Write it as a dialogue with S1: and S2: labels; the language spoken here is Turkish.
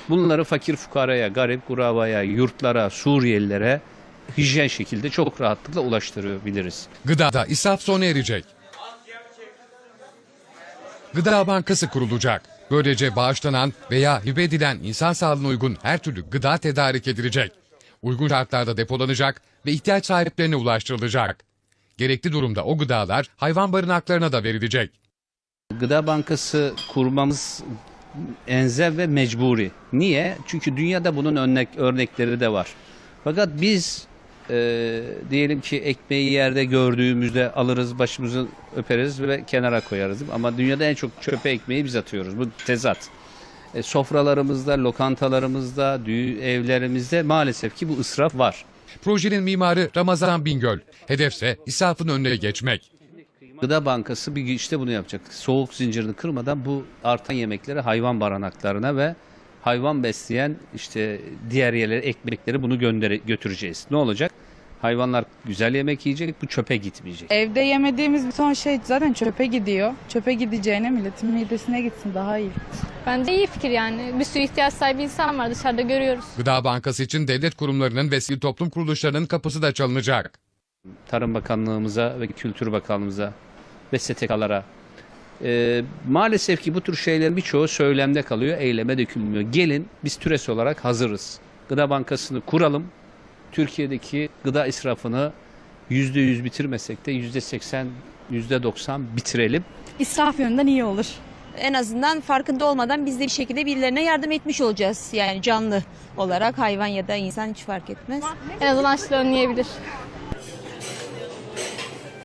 S1: Bunları fakir fukaraya, garip kurabaya, yurtlara, Suriyelilere hijyen şekilde çok rahatlıkla ulaştırabiliriz.
S2: Gıdada israf sona erecek. Gıda Bankası kurulacak. Böylece bağışlanan veya hibe edilen insan sağlığına uygun her türlü gıda tedarik edilecek. Uygun şartlarda depolanacak ve ihtiyaç sahiplerine ulaştırılacak. Gerekli durumda o gıdalar hayvan barınaklarına da verilecek.
S1: Gıda Bankası kurmamız enzev ve mecburi. Niye? Çünkü dünyada bunun örnekleri de var. Fakat biz diyelim ki ekmeği yerde gördüğümüzde alırız, başımızı öperiz ve kenara koyarız. Ama dünyada en çok çöpe ekmeği biz atıyoruz. Bu tezat. Sofralarımızda, lokantalarımızda, evlerimizde maalesef ki bu israf var.
S2: Projenin mimarı Ramazan Bingöl. Hedefse israfın önüne geçmek.
S1: Gıda Bankası bir işte bunu yapacak. Soğuk zincirini kırmadan bu artan yemekleri hayvan barınaklarına ve hayvan besleyen işte diğer yerlere, ekmekleri bunu götüreceğiz. Ne olacak? Hayvanlar güzel yemek yiyecek, bu çöpe gitmeyecek.
S3: Evde yemediğimiz bir ton şey zaten çöpe gidiyor. Çöpe gideceğine milletin midesine gitsin daha iyi.
S4: Bence iyi fikir yani. Bir sürü ihtiyaç sahibi insan var dışarıda görüyoruz.
S2: Gıda Bankası için devlet kurumlarının ve sivil toplum kuruluşlarının kapısı da çalınacak.
S1: Tarım Bakanlığımıza ve Kültür Bakanlığımıza ve STK'lara maalesef ki bu tür şeylerin birçoğu söylemde kalıyor, eyleme dökülmüyor. Gelin biz TÜRES olarak hazırız. Gıda Bankası'nı kuralım. Türkiye'deki gıda israfını %100 bitirmesek de %80, %90 bitirelim.
S5: İsraf yönünden iyi olur.
S6: En azından farkında olmadan biz de bir şekilde birilerine yardım etmiş olacağız. Yani canlı olarak hayvan ya da insan hiç fark etmez.
S4: En azından açlığı önleyebilir.